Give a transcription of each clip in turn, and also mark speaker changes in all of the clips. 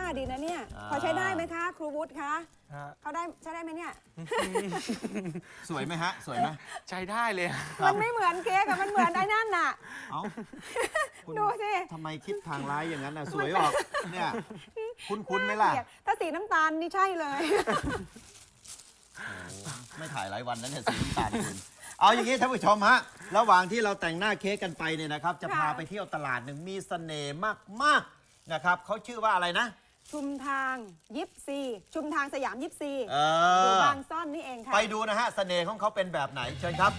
Speaker 1: ดีนะเนี่ยพอใช้ได้ไหมคะครูวุฒิคะ
Speaker 2: ฮะ
Speaker 1: เขาได้ใช้ได้ไหมเนี่ย
Speaker 3: สวยไหมฮะ สวยไหม
Speaker 2: ใช้ได้เลย
Speaker 1: มันไม่เหมือนเค้กอะมันเหมือนไอ้นั่นน่ะ
Speaker 3: เอ้าคุณ
Speaker 1: ดูสิ
Speaker 3: ทำไมคิดทางร้ายอย่างนั้นน่ะสวยออกเนี่ยคุ้นไหมล่ะ
Speaker 1: เกลียดถ้าสีน้ำตาลนี่ใช่เลย
Speaker 3: ไม่ถ่ายหลายวันแล้วเนี่ยสีน้ำตาลคุณเอาอย่างนี้ท่านผู้ชมฮะระหว่างที่เราแต่งหน้าเค้กกันไปเนี่ยนะครับ จะพา
Speaker 1: ค่ะ
Speaker 3: ไปเที่ยวตลาดหนึ่งมีเสน่ห์มากๆนะครับเขาชื่อว่าอะไรนะ
Speaker 1: ชุมทางยิปซีชุมทางสยามยิปซี
Speaker 3: เอ
Speaker 1: อยู่
Speaker 3: อ
Speaker 1: บางซ่อนนี่เองค่ะ
Speaker 3: ไปดูนะฮะเสน่ห์ของเขาเป็นแบบไหนเชิญครับ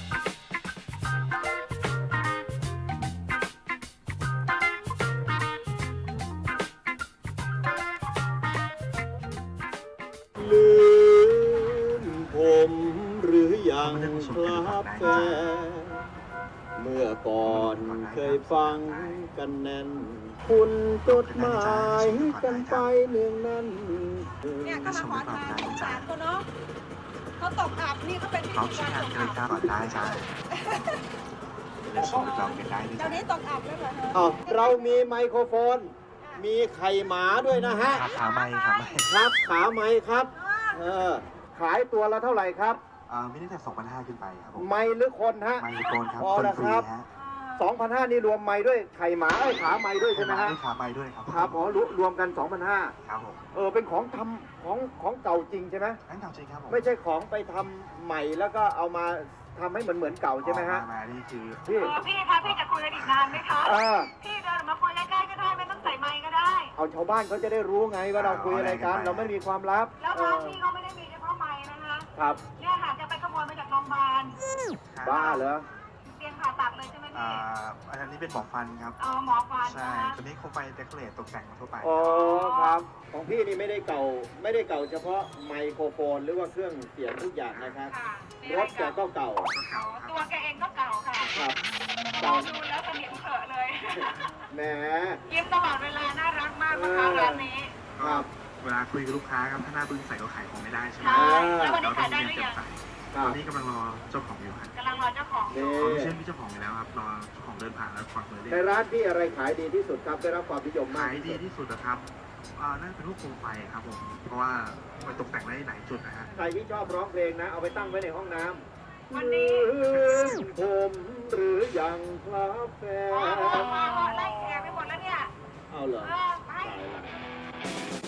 Speaker 3: ลืมผมหรือยังครับแฟนเมื่อก่อนเคยฟังกันแน่น คุณจดหมายกันไปเนืองนั้น
Speaker 1: เนี่ยก็มาขอทานสงสารเขาเนาะเขาตกอับนี่เขาเป็นพิ
Speaker 4: เขา
Speaker 1: ธี
Speaker 4: ใช้
Speaker 1: กรง
Speaker 4: าน
Speaker 1: ต
Speaker 4: ก็
Speaker 1: ก
Speaker 4: เล
Speaker 1: อั
Speaker 4: ย
Speaker 1: บ
Speaker 4: กล้าก่อนได้ใช่จะสูตรเราเป็นได้ด้วย
Speaker 1: เดี๋ยวนี้ตกอับแล้วเหรอเธอ
Speaker 3: อ้าวเรามีไมโครโฟน มีไข่หมาด้วยนะฮะ
Speaker 4: ครับขาไม่ครับไม่
Speaker 3: ครับขาไหมครับ เออ ขายตัวละเท่าไหร่ครับ
Speaker 4: ไม่ได้แต่2,500ขึ้นไปครับผม
Speaker 3: ไมหรือคนฮะ
Speaker 4: ไม่โกนครับ
Speaker 3: พอ
Speaker 4: คน
Speaker 3: แล้ว
Speaker 4: ฟ
Speaker 3: ค
Speaker 4: รี
Speaker 3: รับ
Speaker 4: ฮะ
Speaker 3: 2,500นี่รวมไม้ด้วยไข่หมาขาไม้ด้วยใช่ไหมฮะ
Speaker 4: ขาไม่ด้วยครับ
Speaker 3: ครับอ๋อรวมกัน 2,500
Speaker 4: ครับผม
Speaker 3: เป็นของทำของเก่าจริงใช่ไหม
Speaker 4: นั่นเก่าจริงครับผม
Speaker 3: ไม่ใช่ของไปทำใหม่แล้วก็เอามาทำให้เหมือนเก่าใช่ไหมฮะ
Speaker 4: มานี่คือ
Speaker 3: พี่
Speaker 5: พี่คะพี่จะคุยกันอีกนานไหมคะ
Speaker 3: อ่า
Speaker 5: พี่เดินออกมาคุยใกล้ๆก็ได้ไม่ต้องใส่ไมค์ก็ได้
Speaker 3: เอาชาวบ้านเขาจะได้รู้ไงว่าเราคุยอะไรกัน เราไม่มีความลับ
Speaker 5: แล้วร้านพี่เขาไม่ได้มีเฉพาะไมค์นะคะ
Speaker 3: ครับ
Speaker 5: เนี่ยค่ะจะไปขโมยมาจากโรงพยาบาล
Speaker 3: บ้าเหรอ
Speaker 5: เตียงผ่าตัดเลยใช่ไหมพี่
Speaker 4: อันนี้เป็นหมอฟันครับ
Speaker 5: หมอฟัน
Speaker 4: ใช่
Speaker 5: นะคะ
Speaker 4: ตัวนี้คงไปเดคอเรทตกแต่งทั่วไป
Speaker 3: อ๋อครับ ของพี่นี่ไม่ได้เก่าเฉพาะไมโครโฟนหรือว่าเครื่องเสียงทุกอย่างนะครับ
Speaker 5: ค่ะ
Speaker 3: รถแกก็เก่า
Speaker 5: ตัวแกเองก็เก่าค่ะ
Speaker 3: ครับ
Speaker 5: มอ
Speaker 3: เก่าง
Speaker 5: ดูแล้วเสนียมเขอะเลย
Speaker 3: แหม
Speaker 5: ยิ้มตลอดเวลาน่ารักมากนะคะร้านนี้
Speaker 3: ครับ
Speaker 4: เวลาคุยกับลูกค้าครับถ้าหน้าบึ้งใส่ก็ขายของไม่ได้ใช่ไหม
Speaker 5: ใช่แล้ววันนี้
Speaker 4: เราต้อ
Speaker 5: ขาง ยได้
Speaker 4: มี
Speaker 5: หรือ
Speaker 4: เก็บ
Speaker 5: ยัง
Speaker 4: ใส่ตอนนี้กำลังรอเจ้าของอยู่ครับ
Speaker 5: กำลังรอเจ้าของอยู่
Speaker 4: เขา
Speaker 3: นี่
Speaker 4: เชื่อมีเจ้าของอยู่แล้วครับรอเจ้าของเดินผ่านแล้วควักมือเรีย
Speaker 3: ใน
Speaker 4: ก
Speaker 3: ร้านพี่อะไรขายดีที่สุดครับได้รับความนิยมมาก
Speaker 4: ขายดีที่สุดนะครับน่าจะเป็นพวกโคมไฟครับผม เพราะว่ามันตกแต่งได้หลายจุดนะฮะ
Speaker 3: ใครที่ชอบร้องเพลงนะ เอาไปตั้งไว้ในห้องน้ำ
Speaker 5: วันนี้
Speaker 3: ผมหรือยังครับแฟน
Speaker 5: ไล่แขกไปหมดแล้วเนี่ย
Speaker 3: เอาเหรอ
Speaker 5: ไป
Speaker 3: ตายละ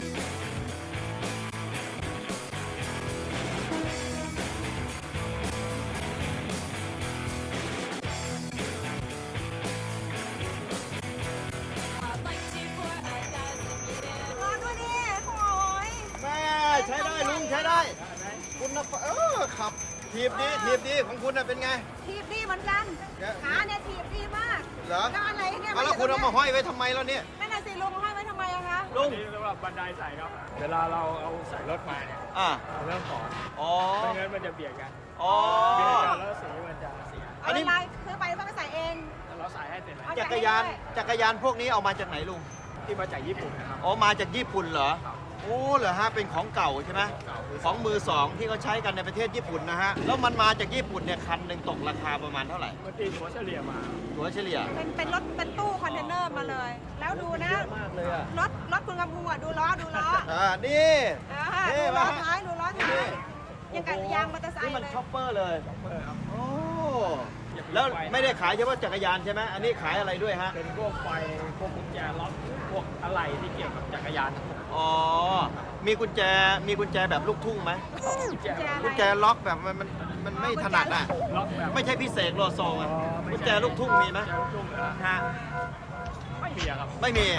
Speaker 3: แม่ใช้ได้ลุงใช้ได้ คุณนะขับทีบดีของคุณน่ะเป็นไง
Speaker 1: ทีบดีเหมือนกัน
Speaker 3: เนี่ย
Speaker 1: ขาเนี่ยทีบดีมาก
Speaker 3: เหรอ
Speaker 1: แล้วอะไรเนี่ย
Speaker 3: เอาแล้วคุณเอามาห้อยไว้ทำไมแล้วเนี่ย
Speaker 1: นั่นน่ะสิลุงห้อยไว้ทำไมอะคะ
Speaker 3: ลุง
Speaker 2: นี่เรียกว่าบันไดใส่ครับ เวลาเราเอาใส่รถมาเนี่ย
Speaker 3: อ่า
Speaker 2: เราเริ่มถอน
Speaker 3: อ๋อ
Speaker 2: ไม่งั้นมันจะเบียดกัน
Speaker 3: อ๋อ
Speaker 2: เบียดกันแล้วสีมันจะเสีย
Speaker 3: อันนี้
Speaker 1: เาเวลาซื้อไปต้องไปใส่เอง
Speaker 2: แล้วเราใส่ให้เสร็จแล้ว
Speaker 1: เอา
Speaker 3: จักรยานพวกนี้เอามาจากไหนลุง
Speaker 2: ที่มาจากญี่ปุ่นนะครับ
Speaker 3: อ๋อ มาจากญี่ปุ่นเหรอ โอ้เหรอฮะ เป็นของเก่าใช่ไหม
Speaker 2: เก่า
Speaker 3: ของมือสองที่เขาใช้กันในประเทศญี่ปุ่นนะฮะ แล้วมันมาจากญี่ปุ่นเนี่ยคันหนึ่งตกราคาประมาณเท่าไหร่
Speaker 2: มันตีหัวเฉลี่ยมา
Speaker 3: ตัวเฉลี่ย
Speaker 1: เป็นรถเป็นตู้คอนเทนเนอร์มาเลย แล้วดูนะ
Speaker 3: มากเลยอ่ะ
Speaker 1: รถคุณกำพูอ่ะดูล้อ
Speaker 3: นี่ เท่
Speaker 1: ดูล้อ
Speaker 3: ปะ
Speaker 1: ท้ายดูล้อท้ายยังกับยางมอเตอร์ไซ
Speaker 3: นี่
Speaker 1: ค์
Speaker 3: มัน
Speaker 1: เลย
Speaker 3: ช็อปเปอร์เลย
Speaker 2: ครับ
Speaker 3: โอ้ แล้วไม่ได้ขายเฉพาะจักรยานใช่ไหม อันนี้ขายอะไรด้วยฮะ
Speaker 2: เป็นพวกไฟ พวกกุญแจล็อก พวกอะไรที่เกี่ยวกับจักรยานทั้งหมด
Speaker 3: อ๋อ มีกุญแจแบบลูกทุ่งไหม
Speaker 2: กุญแจ
Speaker 3: กุญแจล็อกแบบมันไม่ถนัดอ่ะ
Speaker 2: ล็อกแบบ
Speaker 3: ไม่ใช่พิเศษโลโซอ่ะกุญแจลูกทุ่งมีไหม
Speaker 2: กุญแจลูกทุ่งเหรอ
Speaker 3: ฮะ
Speaker 2: ไม่มีอะครับ
Speaker 3: ไม่มี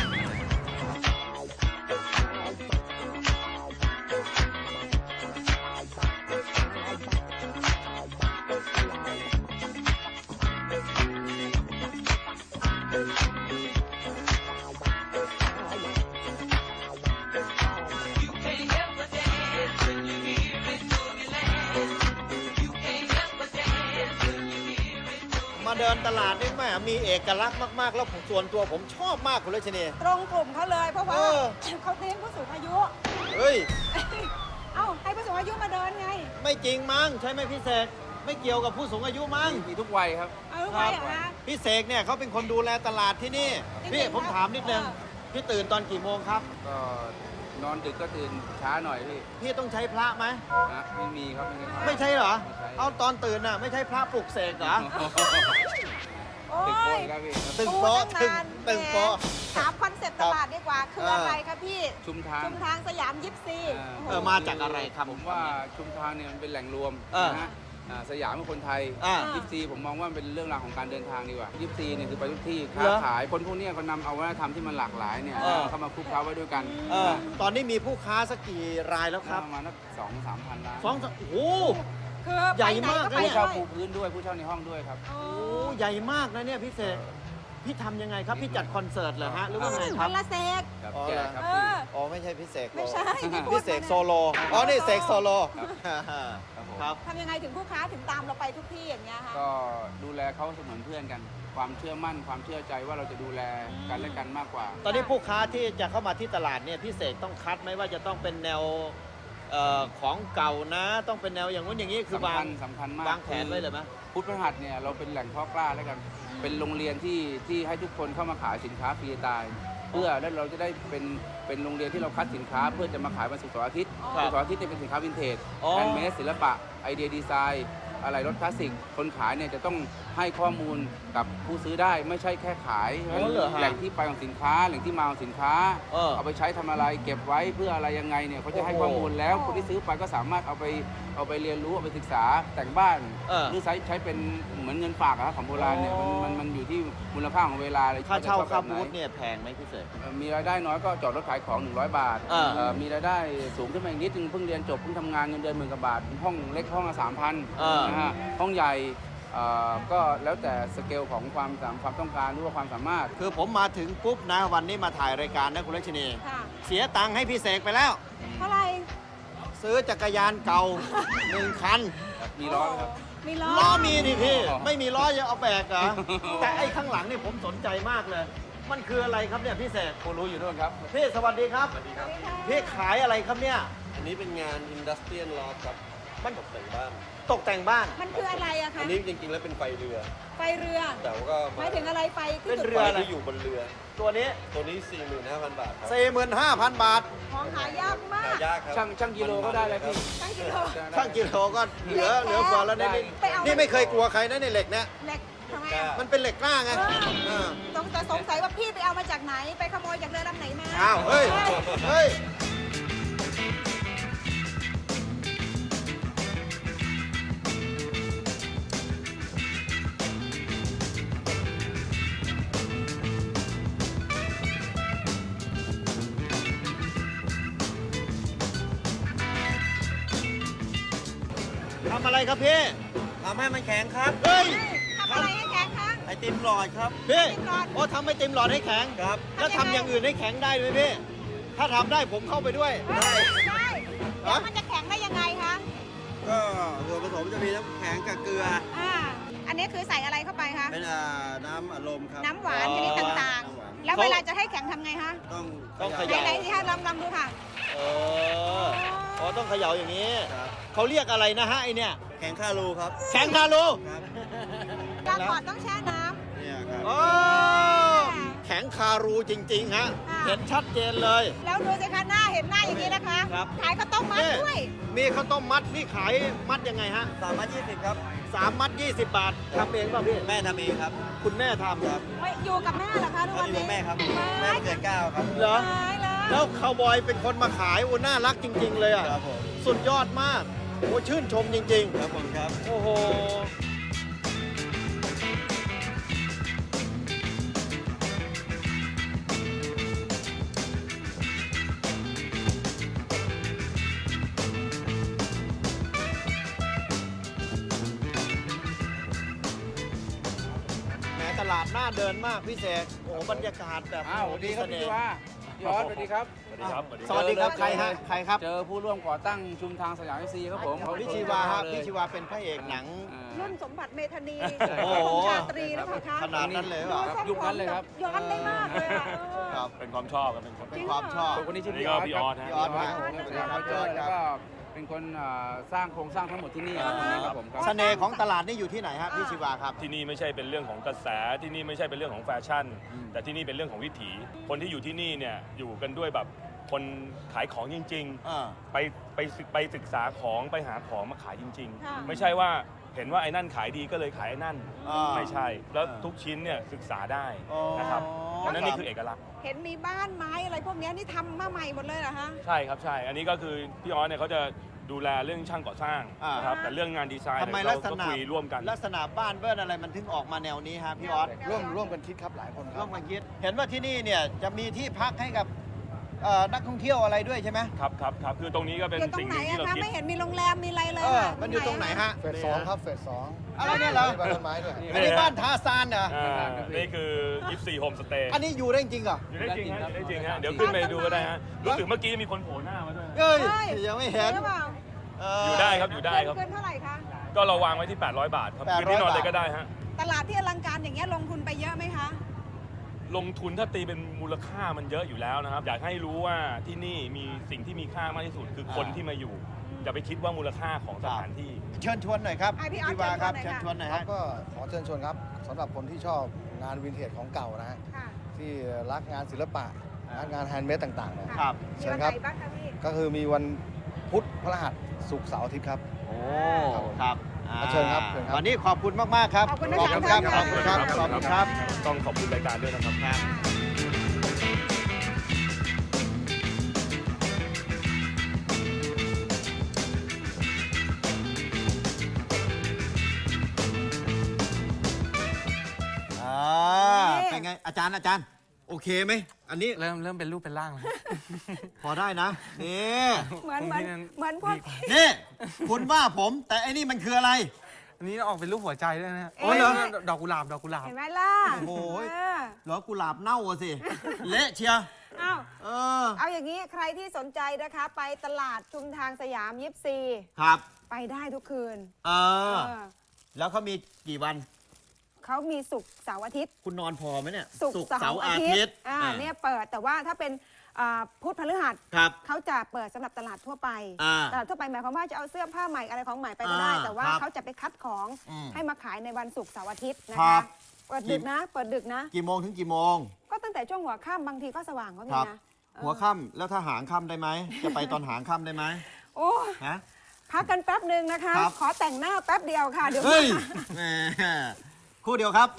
Speaker 3: มาเดินตลาดนี่แม่มีเอกลักษณ์มากๆ แล้วส่วนตัวผมชอบมากคุณรัชนี
Speaker 1: ตรงกลุ่มเขาเลยเพราะว่า
Speaker 3: เออ
Speaker 1: เขาเลี้ยงผู้สูงอายุ
Speaker 3: เฮ้ย
Speaker 1: เอ้าให้ผู้สูงอายุมาเดินไง
Speaker 3: ไม่จริงมั้งใช่ไหมพี่เสกไม่เกี่ยวกับผู้สูงอายุมั้ง
Speaker 2: มีทุกวัยครับ
Speaker 1: เอาลูกไปเหรอคะ
Speaker 3: พี่เสกเนี่ยเขาเป็นคนดูแลตลาดที่นี่
Speaker 1: จริงๆ
Speaker 3: พี่ผม
Speaker 1: ครับ
Speaker 3: ถามนิดนึง
Speaker 1: เอ
Speaker 3: พี่ตื่นตอนกี่โมงครับ
Speaker 6: ก็นอนดึกก็ตื่นช้าหน่อยพี่
Speaker 3: พี่ต้องใช้พระไหม
Speaker 6: นะไม่มีครับไม่มีครับ
Speaker 3: ไม่ใช่เหรอ
Speaker 6: ไม่ใช่
Speaker 3: เอาตอนตื่นน่ะไม่ใช่พระปลุกเสกเหรอ
Speaker 1: โอ้
Speaker 6: ตึกโป๊ะ
Speaker 1: ย
Speaker 6: ครับพี่
Speaker 3: ตึงโป๊ะ
Speaker 1: พูดตั้งนาน
Speaker 3: ตึงโป๊ะ
Speaker 1: แหมถามคอนเซ็ปต์ตลาดดีกว่า คืออะไรคะพี่
Speaker 6: ชุมทาง
Speaker 1: ชุมทางสยามยิปซี
Speaker 3: เออมาจากอะไรครับ
Speaker 6: ผมว่าชุมทางเนี่ยมันเป็นแหล่งรวม
Speaker 3: เออ
Speaker 6: นะฮะสยามเป็นคนไทย
Speaker 3: อ่า
Speaker 6: ยิปซีผมมองว่ามันเป็นเรื่องราวของการเดินทางดีกว่ายิปซีเนี่ยคือไปทุกที่
Speaker 3: เหร
Speaker 6: ค้า
Speaker 3: อ
Speaker 6: ขายคนพวกเนี้ยเขานำเอาวัฒนธรรมที่มันหลากหลายเนี่ย
Speaker 3: เออ
Speaker 6: เข้ามาคลุกเคล้าไว้ด้วยกัน
Speaker 3: ตอนนี้มีผู้ค้าสักกี่รายแล้วครับ
Speaker 6: ประมาณนัก2-3 พันล้าน
Speaker 3: โอ้โห
Speaker 1: คือ
Speaker 3: ใหญ่
Speaker 1: ไปไหน
Speaker 3: มาก
Speaker 1: ก็
Speaker 3: นะ
Speaker 1: ไป
Speaker 6: ผู้
Speaker 3: นี่ย
Speaker 6: เช่า
Speaker 1: ด้วย
Speaker 6: ปูพื้นด้วยผู้เช่าในห้องด้วยครับ
Speaker 1: โอ้
Speaker 3: โอ้ใหญ่มากนะเนี่ยพี่เสกพี่ทำยังไงครับ พี่จัดคอนเสิร์ตเหรอฮะหรือว่าไงค
Speaker 1: วั
Speaker 3: รับ
Speaker 1: นละเซก
Speaker 6: ครับ
Speaker 3: อ๋อ
Speaker 6: แจกครับ
Speaker 1: เอ
Speaker 6: พี่
Speaker 1: อ
Speaker 3: อ๋อไม่ใช่พี่เสก
Speaker 1: ไม่ใช่พี่พูด
Speaker 3: พี่เสก
Speaker 1: มานะ
Speaker 3: โซโลอ๋อนี่เสกโซโล
Speaker 6: ครับผม
Speaker 3: ครับ
Speaker 1: ทำยังไงถึงผู้ค้าถึงตามเราไปทุกที่อย่างเงี้ยคะ
Speaker 6: ก็ดูแลเขาเสมือนเพื่อนกัน ความเชื่อมั่นความเชื่อใจว่าเราจะดูแลกันและกันมากกว่า
Speaker 3: ตอนนี้ผู้ค้าที่จะเข้ามาที่ตลาดเนี่ยพี่เสกต้องคัดไหมว่าจะต้องเป็นแนวของเก่านะ ต้องเป็นแนวอย่างนู้นอย่างนี้คือ
Speaker 6: สำ
Speaker 3: วา
Speaker 6: คั
Speaker 3: ง
Speaker 6: ญสำคัญมาก
Speaker 3: วางแผนไว้เลยไหม
Speaker 6: พุทธพฤหัสเนี่ยเราเป็นแหล่งเพาะกล้าแล้วกัน เป็นโรงเรียนที่ให้ทุกคนเข้ามาขายสินค้าฟรีสไตล์เพื่อแล้วเราจะได้เป็นโรงเรียนที่เราคัดสินค้า เพื่อจะมาขายวันศุกร์เสาร์อาทิตย์
Speaker 3: ครับ
Speaker 6: ศุกร์เสาร์อาทิตย์เนี่ยเป็นสินค้าวินเทจ
Speaker 3: อ๋อ
Speaker 6: แฮนด์เมดศิลปะไอเดียดีไซน์อะไรรถคลาสสิกคนขายเนี่ยจะต้องให้ข้อมูลกับผู้ซื้อได้ไม่ใช่แค่ขาย
Speaker 3: อ๋อเหรอฮะ
Speaker 6: แหล่งที่ไปของสินค้าแหล่งที่มาของสินค้า เอาไปใช้ทำอะไรเก็บไว้เพื่ออะไรยังไงเนี่ยเขาจะให้ข้อมูลแล้วคนที่ซื้อไปก็สามารถเอาไปเรียนรู้เอาไปศึกษาแต่งบ้าน หรือใช้เป็นเหมือนเงินฝากอะครับของโบราณเนี่ยมันอยู่ที่มูลค่าของเวลาเลย
Speaker 3: ค่าเช่า
Speaker 6: ว่จะ
Speaker 3: ค่า
Speaker 6: แบบไหน
Speaker 3: บูธเนี่ยแพงไหมพี่เสก
Speaker 6: มีรายได้น้อยก็จอดรถขายของ100 บาท มีรายได้สูงขึ้นมาอีกนิดนึงเพิ่งเรียนจบเพิ่งทำงานเงินเดือน10,000 กว่าบาทห้องเล็กห้องละ3,000นะฮะห้องใหญ่ก็แล้วแต่สเกลของความต้องการหรือว่าความสามารถ
Speaker 3: คือผมมาถึงปุ๊บนะวันนี้มาถ่ายรายการนะคุณลักษณี
Speaker 1: ค่ะ
Speaker 3: เสียตังค์ให้พี่เสกไปแล้ว
Speaker 1: เท่าไหร่
Speaker 3: ซื้อจักรยานเก่า 1 คัน
Speaker 6: มีล้อไหมครับ
Speaker 1: มีล้อ
Speaker 3: ล้อมีดิพี่
Speaker 6: อ๋อ
Speaker 3: ไม่มีล้อจะเอาแบกเหรอ แต่ไอ้ข้างหลังนี่ผมสนใจมากเลย มันคืออะไรครับเนี่ยพี่เสก
Speaker 6: ผู้รู้อยู่ด้วยครับ
Speaker 3: พี่สวัสดีครับ
Speaker 1: สวัสดีค่ะ
Speaker 3: พี่ขายอะไรครับเนี่ย
Speaker 7: อันนี้เป็นงานอินดัสเทรียลลอฟครับ
Speaker 3: มัน
Speaker 7: ตกแต่งบ้าน
Speaker 3: ตกแต่งบ้าน
Speaker 1: มันคืออะไรอะคะ
Speaker 7: อันนี้จริงๆแล้วเป็นไฟเรือ
Speaker 1: ไฟเรือ
Speaker 7: แต่ว่าก็
Speaker 1: หมายถึงอะไรไฟที่
Speaker 3: เป็น
Speaker 1: จุด
Speaker 3: เรือ
Speaker 7: ไฟ
Speaker 3: อะไร
Speaker 7: ที่อยู่บนเรือ
Speaker 3: ตัวนี้
Speaker 7: ตัวนี้ 45,000 บาทครับ
Speaker 3: 45,000 บาท
Speaker 1: ของหายากมา
Speaker 7: หาก ยากครับ
Speaker 6: ช่างกิโลก็ได้เลยพี่
Speaker 1: ตั้งกิโล
Speaker 3: ช่างกิโลก็เหลือเฟือแล้วนี่
Speaker 1: ไปเอา
Speaker 3: นี่ไม่เคยกลัวใครนะในเหล็กเนี่ย
Speaker 1: เหล็กทำไมอะ
Speaker 3: มันเป็นเหล็กกล้าไงเออ
Speaker 1: สงสัยว่าพี่ไปเอามาจากไหน ไปขโมยจากเรือลำไหนมา
Speaker 3: อ้าวเฮ้ย เฮ้ย ทำอะไรครับพี่
Speaker 7: ทำให้มันแข็งครับ
Speaker 3: เฮ้ย
Speaker 1: ทำอะไรให้แข็งคะ
Speaker 7: ไอติมหลอดครับ
Speaker 3: พี่
Speaker 1: ไอติมหลอด
Speaker 3: โอ้ทำไอติมหลอดให้แข็ง
Speaker 7: ครับ
Speaker 3: แล้วทำอย่างอื่นให้แข็งได้ไหมพี่ ถ้าทำได้ผมเข้าไปด้วย
Speaker 1: ได้แล้วมันจะแข็งได้ยังไงคะ
Speaker 7: ก็ส่วนผสมจะมีน้ำแข็งกับเกลือ
Speaker 1: อันนี้คือใส่อะไรเข้าไปคะ
Speaker 7: เป็นน้ำอารมณ์ครับ
Speaker 1: น้ำหวานชนิดต่าง
Speaker 7: น้ำหวาน
Speaker 1: ๆ แล้วเวลาจะให้แข็งทำไงคะ
Speaker 7: ต้อง
Speaker 3: เข
Speaker 1: ไห
Speaker 3: ย่า
Speaker 1: นๆที่คะลองดูค่ะ
Speaker 3: เอออ๋อต้องเขย่าอย่างนี้
Speaker 7: ครับ
Speaker 3: เขาเรียกอะไรนะฮะไอเนี่ย
Speaker 7: แข็งคารูครับ
Speaker 3: แข็งคารู
Speaker 7: ครับ
Speaker 1: กาก่อนต้องแช่น้
Speaker 7: เนี่ยครับ
Speaker 3: โอ้แข็งคารูจริง ๆ ฮะ
Speaker 1: ค่ะ
Speaker 3: เห็นชัดเจนเลย
Speaker 1: ำแล้วดูสิคะหน้าเห็นหน้าอย่างนี้นะคะ
Speaker 3: ครับ
Speaker 1: ขายข้าวต้มมัด
Speaker 3: นี่
Speaker 1: ด้วย
Speaker 3: มีข้าวต้มมัดนี่ขายมัดยังไงฮะ
Speaker 7: 320 ครับ
Speaker 3: 3 มัด 20 บาททำเองป่ะพี่
Speaker 7: แม่ทำเองครับ
Speaker 3: คุณแม่ทำ
Speaker 7: ครับ
Speaker 1: ไม่อยู่กับแม่เหรอคะทุก
Speaker 7: ก็
Speaker 1: วัน
Speaker 7: อยู่
Speaker 1: นี้
Speaker 7: กับแม่ครับ แม่เกิดเก้าครับ
Speaker 3: เหรอ
Speaker 1: ตายแล้ว
Speaker 3: แล้วคาวบอยเป็นคนมาขายโอ้น่ารักจริง ๆ เลยอ่ะ
Speaker 7: ครับผม
Speaker 3: สุดยอดมากโอ้ชื่นชมจริง
Speaker 7: ครับผมครับ
Speaker 3: ๆ โอ้โห แหมตลาดน่าเดินมากพี่เสกโอ้โหบรรยากาศแบบ
Speaker 6: อ้าวสวัสดีครับพี่ชีวาพี่ออสสวัสดีครับ
Speaker 3: สวัสดีครับใครฮะใครครับ
Speaker 6: เจอผู้ร่วมก่อตั้งชุมทางสยามซีครับผม
Speaker 3: พี่ชีวาฮะพี่ชีวาเป็นพระเอกหนัง
Speaker 1: รุ่นสมบัติเมธานี
Speaker 3: โอ้โห
Speaker 1: ของชาตรีหรือเปล่าคะ
Speaker 3: ขนาดนั้นเลยเหรอ
Speaker 6: ครับยุคนั้นเลยครับ
Speaker 1: ย้อนได้มากเลยอะ
Speaker 3: ครับ
Speaker 8: เป็นความชอบครับเป็นความ
Speaker 3: เป็นความชอบ
Speaker 6: คนนี้ชื่อ
Speaker 8: นี่
Speaker 6: พี่อ
Speaker 8: ก็
Speaker 6: อส
Speaker 8: พี่ออส
Speaker 6: ครับ
Speaker 8: ฮะ
Speaker 3: พี่ออส
Speaker 6: พี่ออส
Speaker 3: ครับ
Speaker 6: แล้วก็เป็นคนสร้างโครงสร้างทั้งหมดที่นี่ครับคนนี้ครับผมครับ
Speaker 3: เสน่ห์ของตลาดนี่อยู่ที่ไหนครับพี่ชีวาครับ
Speaker 8: ที่นี่ไม่ใช่เป็นเรื่องของกระแสที่นี่ไม่ใช่เป็นเรื่องของแฟชั่น แต่ที่นี่เป็นเรื่องของวิถี คนที่อยู่ที่นี่เนี่ยอยู่กันด้วยแบบคนขายของจริง ๆ ไปศึกษาของไปหาของมาขายจริง
Speaker 1: ค่ะ
Speaker 8: ๆ ไม่ใช่ว่าเห็นว่าไอ้นั่นขายดีก็เลยขายไอ้นั่น
Speaker 3: อ่า
Speaker 8: ไม่ใช่แล้วทุกชิ้นเนี่ยศึกษาได้นะครับ
Speaker 3: อ๋อ
Speaker 8: อันนั้นนี่คือเอกลักษณ์
Speaker 1: เห็นมีบ้านไม้อะไรพวกเนี้ยนี่ทำมาใหม่หมดเลยเหรอฮะ
Speaker 8: ใช่ครับใช่ อันนี้ก็คือพี่ออสเนี่ยเขาจะดูแลเรื่องช่างก่อสร้างนะครับแต่เรื่องงานดีไซน์
Speaker 3: ทำไม
Speaker 8: เนี่ย
Speaker 3: ลักษ
Speaker 8: เราก็
Speaker 3: ณะ
Speaker 8: คุยร่วมกัน
Speaker 3: ลักษณะบ้านเบิ้ลอะไรมันถึงออกมาแนวนี้ฮะพี่ออส
Speaker 7: ร่วมกันคิดครับหลายคนค
Speaker 3: ร่
Speaker 7: รั
Speaker 3: ว
Speaker 7: บ
Speaker 3: มกันคิดเห็นว่าที่นี่เนี่ยจะมีที่พักให้กับนักท่องเที่ยวอะไรด้วยใช่ไหม
Speaker 8: ครับคือตรงนี้ก็เป็น
Speaker 1: อยู่ตร
Speaker 8: สิ่
Speaker 1: ง
Speaker 8: ง
Speaker 1: ไห
Speaker 8: ห
Speaker 1: น
Speaker 8: นึ่งที่
Speaker 1: อะ
Speaker 8: เรา
Speaker 1: คะ
Speaker 8: คิด
Speaker 1: ไม่เห็นมีโรงแรมมีอะไรเลยค่ะ
Speaker 3: มันอยู่ตรงไหนฮะ
Speaker 7: เฟส 2ครับเฟส
Speaker 3: อะไรเนี่ยเหรอ
Speaker 7: บ้านต้นไม้ด้วย
Speaker 3: อันนี้บ้านทาซานเหรอ
Speaker 8: นี่คือ24โฮมสเตย์
Speaker 3: อันนี้อยู่ได้จริงเหรอ
Speaker 8: อยู่ได้จริงฮะอยู่ได้จริงฮะเดี๋ยวขึ้นไปดูก็ได้ฮะรู้สึกเมื่อกี้มีคนโผล่หน้ามาด้วยนะ
Speaker 3: เอ้ย
Speaker 1: เฮ้ย
Speaker 3: ยังไม่เห็น
Speaker 1: หรือเปล่า
Speaker 8: อยู่ได้ครับอยู่ได้ครับ
Speaker 1: เกินเท่าไหร่คะ
Speaker 8: ก็เราวางไว้ที่800 บาทครับ
Speaker 3: 800
Speaker 8: คืนที่นอนเลยก็ได้ฮะ
Speaker 1: ตลาดที่อลังการอย่างเงี้ยลงทุนไปเยอะไหมคะ
Speaker 8: ลงทุนถ้าตีเป็นมูลค่ามันเยอะอยู่แล้วนะครับ อยากให้รู้ว่าที่นี่มีสิ่งที่มีค่ามากที่สุดคือคนที่มาอยู่อย่าไปคิดว่ามูลค่าของสถานที่
Speaker 3: เชิญชวนหน่อยครับ
Speaker 1: พี่ออส
Speaker 3: พี่วาครับ
Speaker 1: เชิ
Speaker 3: เชิ
Speaker 1: ญ
Speaker 3: ญ
Speaker 1: ช
Speaker 3: ช
Speaker 1: ว
Speaker 3: วน น
Speaker 1: ห
Speaker 3: ห
Speaker 1: น่
Speaker 3: น่
Speaker 1: อ
Speaker 3: อย ย
Speaker 7: ครั
Speaker 3: ฮะ
Speaker 7: บก็ขอเชิญชวนครับสำหรับคนที่ชอบงานวินเทจของเก่านะฮะ
Speaker 1: ค่ะ
Speaker 7: ที่รักงานศิลปะรักงานแฮนด์เมดต่างๆนะครับ
Speaker 1: มีวันไหนบ้างคะพี่
Speaker 7: ก็คือมีวันพุธพฤหัสศุกร์เสาร์อาทิตย์ครับ
Speaker 3: โอ้ครับ
Speaker 7: เชิญครับเชิญครับ
Speaker 3: วันนี้ขอบคุณมากๆครับ
Speaker 1: ขอบคุณทั้ง
Speaker 3: ขอบ
Speaker 1: สาม
Speaker 3: คุณครับ
Speaker 1: ท่าน
Speaker 3: ขอบคุณครับ
Speaker 1: ค่ะ
Speaker 3: ขอบคุณครับ
Speaker 8: ต้องขอบคุณรายการด้วยนะครับ
Speaker 3: เป็นไงอาจารย์โอเคไหมอันนี้
Speaker 9: เริ่มเป็นรูปเป็นร่างแล้ว
Speaker 3: พอได้นะนี่
Speaker 1: เหมือนพวก
Speaker 3: นี่คุณว่าผมแต่ไอ้นี่มันคืออะไร
Speaker 9: อันนี้ออกเป็นรูปหัวใจด้วยนะฮะ
Speaker 3: โอ้ยเหรอ
Speaker 9: ดอกกุหลาบ
Speaker 1: เห็นไหมล่ะ
Speaker 3: โอ้โห
Speaker 1: เออ
Speaker 3: เหรอกุหลาบเน่าอะสิ เละเชียร์
Speaker 1: อ้าว
Speaker 3: เออ
Speaker 1: เอาอย่างนี้ใครที่สนใจนะคะ ไปตลาดชุมทางสยาม24
Speaker 3: ครับ
Speaker 1: ไปได้ทุกคืน
Speaker 3: เออ
Speaker 1: เออ
Speaker 3: แล้วเขามีกี่วัน
Speaker 1: เขามีศุกร์เสาร์อาทิตย์
Speaker 3: คุณนอนพอไหมเนี่ย
Speaker 1: ศุกร์เสาร์อาทิตย์เนี่ยเปิดแต่ว่าถ้าเป็นพุธพฤหัส
Speaker 3: ครับ
Speaker 1: เขาจะเปิดสำหรับตลาดทั่วไป
Speaker 3: อ่า
Speaker 1: ตลาดทั่วไปหมายความว่าจะเอาเสื้อผ้าใหม่อะไรของใหม่ไปก็ได้
Speaker 3: อ่า
Speaker 1: แต่ว่า
Speaker 3: ครับ
Speaker 1: เขาจะไปคัดของ
Speaker 3: อืม
Speaker 1: ให้มาขายในวันศุกร์เสาร์อาทิตย์นะ
Speaker 3: ครั
Speaker 1: คะ
Speaker 3: บ
Speaker 1: เปิดดึกนะเปิดดึกนะ
Speaker 3: กี่โมงถึงกี่โมง
Speaker 1: ก็ตั้งแต่ช่วงหัวค่ำบางทีก็สว่างก็มี
Speaker 3: ครับ
Speaker 1: นะเออ
Speaker 3: หัวค่ำแล้วถ้าหางค่ำได้ไหม จะไปตอนหางค่ำได้ไหม
Speaker 1: โอ้
Speaker 3: ฮะ
Speaker 1: พักกันแป๊บหนึ่งนะคะ
Speaker 3: ครับ
Speaker 1: ขอแต่งหน้าแป๊บเดียวค่ะเดี๋ยว
Speaker 3: เฮ้ย
Speaker 1: มา
Speaker 3: แหมคู่เดียวครับ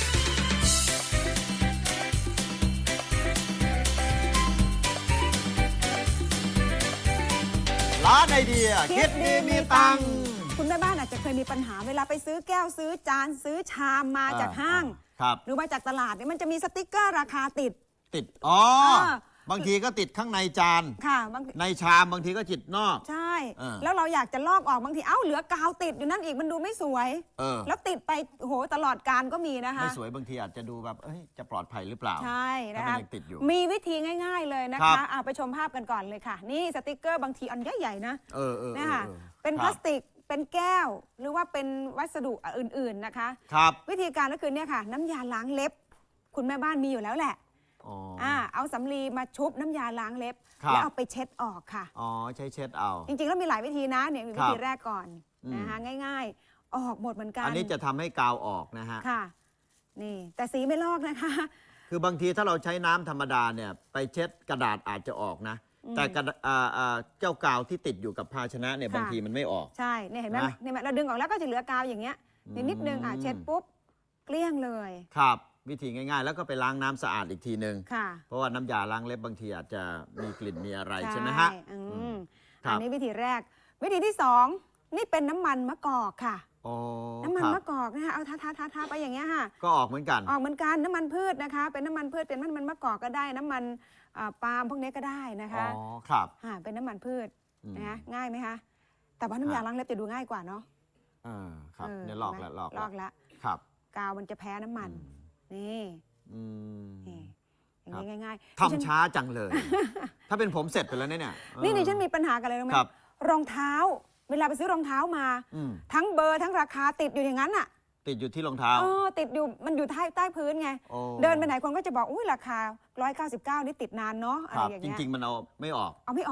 Speaker 3: ร้านไอเดีย คิดดีมีตังค์
Speaker 1: คุณแม่บ้านอาจจะเคยมีปัญหาเวลาไปซื้อแก้วซื้อจานซื้อชามมาจากห้าง
Speaker 3: ครับ
Speaker 1: หรือมาจากตลาดเนี่ยมันจะมีสติกเกอร์ราคาติด
Speaker 3: ติด อ๋อ
Speaker 1: อ่า
Speaker 3: บางทีก็ติดข้างในจาน
Speaker 1: ค่ะบาง
Speaker 3: ในชามบางทีก็ติดนอก
Speaker 1: ใช่
Speaker 3: อ่า
Speaker 1: แล้วเราอยากจะลอกออกบางทีเอ้าเหลือกาวติดอยู่นั่นอีกมันดูไม่สวย
Speaker 3: เออ
Speaker 1: แล้วติดไปโหตลอดการก็มีนะคะ
Speaker 3: ไม่สวยบางทีอาจจะดูแบบ เอ้ย จะปลอดภัยหรือเปล่า
Speaker 1: ใช่นะ
Speaker 3: ถ้า
Speaker 1: คะ
Speaker 3: มันยังติดอยู่
Speaker 1: มีวิธีง่าย ๆเลยนะ
Speaker 3: ครั
Speaker 1: คะ
Speaker 3: บ
Speaker 1: เอาไปชมภาพกันก่อนเลยค่ะ นี่สติกเกอร์บางทีอันใหญ่ๆนะ
Speaker 3: เออ
Speaker 1: เนี่ยค่ะ
Speaker 3: ออ
Speaker 1: เป็น
Speaker 3: ค
Speaker 1: พ
Speaker 3: รั
Speaker 1: ลา
Speaker 3: บ
Speaker 1: สติกเป็นแก้ว หรือว่าเป็นวัสดุอื่นๆนะคะ
Speaker 3: ครับ
Speaker 1: วิธีการก็คือเนี่ยค่ะ น้ำยาล้างเล็บ คุณแม่บ้านมีอยู่แล้วแหละ
Speaker 3: อ๋อ
Speaker 1: เอาสำลีมาชุบน้ำยาล้างเล็บ
Speaker 3: ครับ
Speaker 1: แล้วเอาไปเช็ดออกค่ะ
Speaker 3: อ๋อ ใช้เช็ดเอา
Speaker 1: จริงๆแล้วมีหลายวิธีนะเนี่ยมี
Speaker 3: ค
Speaker 1: วิ
Speaker 3: รับ
Speaker 1: ธีแรกก่อน
Speaker 3: อืม
Speaker 1: นะคะง่าย ๆ ออกหมดเหมือนกัน
Speaker 3: อันนี้จะทำให้กาวออกนะฮะ
Speaker 1: ค่ะ นี่แต่สีไม่ลอกนะคะ
Speaker 3: คือบางทีถ้าเราใช้น้ำธรรมดาเนี่ย ไปเช็ดกระดาษอาจจะออกนะ แต่กระดาเจ้ากาวที่ติดอยู่กับภาชนะเนี่ย
Speaker 1: ค่ะ
Speaker 3: บางทีมันไม่ออก
Speaker 1: ใช่เนี่ยเห็นไหม
Speaker 3: นะ
Speaker 1: เนี่ยเราดึงออกแล้วก็จะเหลือกาวอย่างเงี้ยนิดนึงเช็ดปุ๊บเกลี้ยงเลย
Speaker 3: ครับ วิธีง่ายๆ แล้วก็ไปล้างน้ำสะอาดอีกทีนึง
Speaker 1: ค่ะ
Speaker 3: เพราะว่าน้ำยาล้างเล็บบางทีอาจจะมีกลิ่นมีอะไรใช่ไหมฮะ
Speaker 1: อืม
Speaker 3: ครับ
Speaker 1: อันนี้วิธีแรก วิธีที่สอง นี่เป็นน้ำมันมะกอกค่ะ
Speaker 3: อ๋อ
Speaker 1: น้ำมัน
Speaker 3: ครับ
Speaker 1: มะกอกนะคะเอาทาไปอย่างเงี้ยค่ะ
Speaker 3: ก็ออกเหมือนกัน
Speaker 1: ออกเหมือนกันน้ำมันพืชนะคะ เป็นน้ำมันพืชเป็นน้ำมันมะกอกก็ได้น้ำมันปาล์มพวกนี้ก็ได้นะคะ
Speaker 3: อ๋อ ครับ
Speaker 1: เป็นน้ำมันพืช
Speaker 3: อืม
Speaker 1: นะคะง่ายไหมคะแต่ว่าน้ำยาล้างเล็บจะดูง่ายกว่าเนาะ
Speaker 3: ครับ
Speaker 1: เออ
Speaker 3: เนี่ยลอก
Speaker 1: เห็น
Speaker 3: แล้ว
Speaker 1: ไหม
Speaker 3: ลอก
Speaker 1: ลอกแล้ว
Speaker 3: ครับ
Speaker 1: กาวมันจะแพ้น้ำมัน นี่
Speaker 3: อืม
Speaker 1: นี่อย่าง
Speaker 3: ครับ
Speaker 1: นี้ง่ายๆ
Speaker 3: ทำช้าจังเลย ถ้าเป็นผมเสร็จไปแล้วเนี่ย
Speaker 1: นี่ดิฉันมีปัญหากันเลยรู้ไหม
Speaker 3: ครับ
Speaker 1: รองเท้า เวลาไปซื้อรองเท้ามา
Speaker 3: อืม
Speaker 1: ทั้งเบอร์ทั้งราคาติดอยู่อย่างนั้นอ่ะ
Speaker 3: ติดอยู่ที่รองเท้า
Speaker 1: ติดอยู่มันอยู่ใต้พื้นไง
Speaker 3: โอ้
Speaker 1: เดินไปไหนคนก็จะบอกอุ้ยราคา199นี่ติดนานเนาะอะ
Speaker 3: ค
Speaker 1: ไร
Speaker 3: รับ
Speaker 1: อย่าง
Speaker 3: จ
Speaker 1: เงี้ย
Speaker 3: ริง ๆ มันเอาไม่ออก
Speaker 1: เอาไม่ออก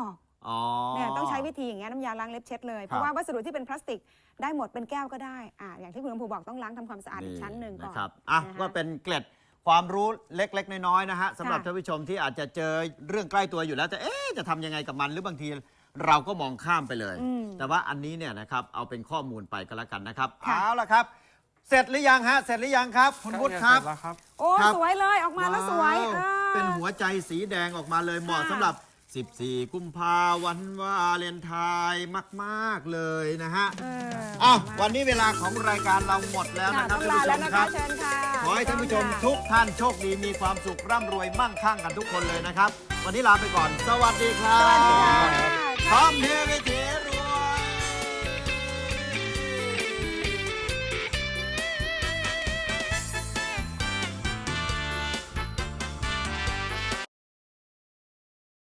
Speaker 3: อ๋อ
Speaker 1: เนี่ยต้องใช้วิธีอย่างเงี้ยน้ำยาล้างเล็บเช็ดเลย เพราะว่าวัสดุที่เป็นพลาสติกได้หมดเป็นแก้วก็ได้อย่างที่คุณลำพูบอกต้องล้างทำความสะอาดอีกชั้นหนึ่งก่อน
Speaker 3: นะครับ
Speaker 1: นะคะ
Speaker 3: ก็เป็นเกล็ดความรู้เล็กๆน้อยๆนะฮะสำหรับท่านผู้ชมที่อาจจะเจอเรื่องใกล้ตัวอยู่แล้วแต่จะทำยังไงกับมันหรือบางทีเราก็มองข้ามไปเลย แต่ว่าอันนี้เนี่ยนะครับเอาเป็นข้อมูลไปก็แล้วกันนะครับเอาละครับ เสร็จหรือยังฮะเสร็จหรือยังครับคุณวุฒิครับ
Speaker 9: เสร็จแล้วครับ
Speaker 1: โอ้สวยเลยออกมาแล้วสวย
Speaker 3: ว้าวเป็นหัวใจสีแดงออกมาเลยเหมาะสำหรับ 14 กุมภาวันวาเลนไทน์มากๆเลยนะฮะวันนี้เวลาของรายการเราหมดแล้วนะครับ
Speaker 1: ต้อง
Speaker 3: ท่าน
Speaker 1: ลา
Speaker 3: ผู้ช
Speaker 1: แล้ว
Speaker 3: ม
Speaker 1: นะ
Speaker 3: ค
Speaker 1: คะ
Speaker 3: รับ
Speaker 1: เชิญค่ะ
Speaker 3: ขอให้ท่านผู้ชมทุกท่านโชคดีมีความสุขร่ำรวยมั่งคั่งกันทุกคนเลยนะครับ วันนี้ลาไปก่อน สวัสดีครับ
Speaker 1: สวัสดีค่ะ
Speaker 3: พร้อมเฮวิธี